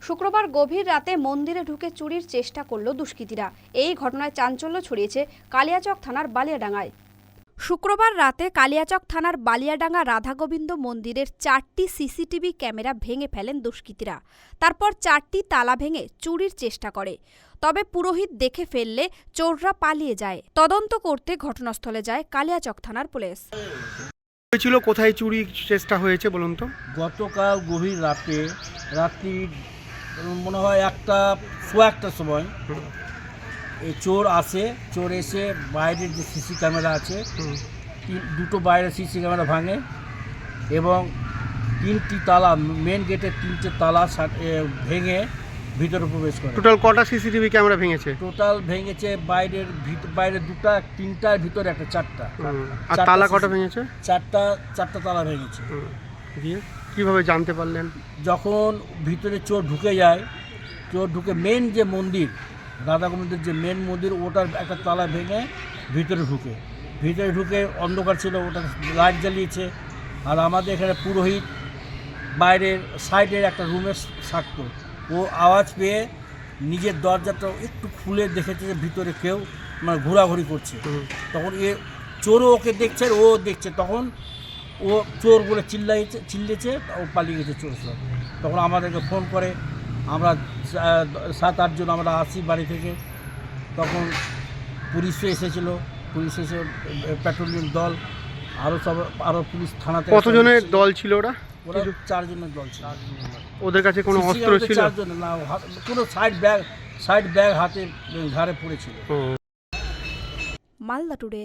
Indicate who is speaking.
Speaker 1: শুক্রবার গভীর রাতে মন্দিরে ঢুকে চুরির চেষ্টা করল দুষ্কৃতীরা। এই ঘটনায় চাঞ্চল্য ছড়িয়েছে কালিয়াচক থানার বালিয়াডাঙ্গায়। শুক্রবার রাতে কালিয়াচক থানার বালিয়াডাঙ্গা রাধাগোবিন্দ মন্দিরের 4টি সিসিটিভি ক্যামেরা ভেঙে ফেলেন দুষ্কৃতীরা। তারপর 4টি তালা ভেঙে চুরির চেষ্টা করে। তবে পুরোহিত দেখে ফেললে চোররা পালিয়ে যায়। তদন্ত করতে ঘটনাস্থলে যায় কালিয়াচক থানার পুলিশ।
Speaker 2: হয়েছিল কোথায় চুরি চেষ্টা হয়েছে বলুন তো?
Speaker 3: গতকাল গভীর রাত্রি মনে হয় 1:15 সময় এই চোর এসে বাইরের যে সিসি ক্যামেরা আছে দুটো বাইরের সিসি ক্যামেরা ভাঙে এবং 3টি তালা মেন গেটের 3টে তালা ভেঙে ভিতরে প্রবেশ করে।
Speaker 2: টোটাল কটা সিসিটিভি ক্যামেরা ভেঙেছে?
Speaker 3: টোটাল ভেঙেছে বাইরে দুটো, 3টার ভিতরে একটা, 4টা।
Speaker 2: আর তালা কটা ভেঙেছে?
Speaker 3: 4টা তালা ভেঙেছে।
Speaker 2: দিয়ে কিভাবে জানতে পারলেন?
Speaker 3: যখন ভিতরে চোর ঢুকে মেন যে মন্দির রাধাগোবিন্দের যে মেন মন্দির ওটার একটা তালা ভেঙে ভিতরে ঢুকে অন্ধকার ছিল, ওটা লাইট জ্বালিয়েছে। আর আমাদের এখানে পুরোহিত বাইরের সাইডের একটা রুমে থাকতো, ও আওয়াজ পেয়ে নিজের দরজাটা একটু খুলে দেখেছে যে ভিতরে কেউ মানে ঘোরাঘুরি করছে। তখন চোরও ওকে দেখছে, ও দেখছে, তখন ও চোর বলে চিল্লেছে, ও পালিয়ে গেছে চোর সব। তখন আমাদেরকে ফোন করে, আমরা 7-8 জন আমরা আসি বাড়ি থেকে। তখন পুলিশও এসেছিলো, পুলিশ এসে পেট্রোলিং দল আরও পুলিশ থানাতে।
Speaker 2: কতজনের দল ছিল ওরা?
Speaker 3: 4 জনের দল ছিল।
Speaker 2: ওদের কাছে কোনো অস্ত্র ছিল?
Speaker 3: 4 জনের না, কোনো সাইড ব্যাগ হাতে ঘাড়ে পড়েছিল।
Speaker 1: মালদা টুডে।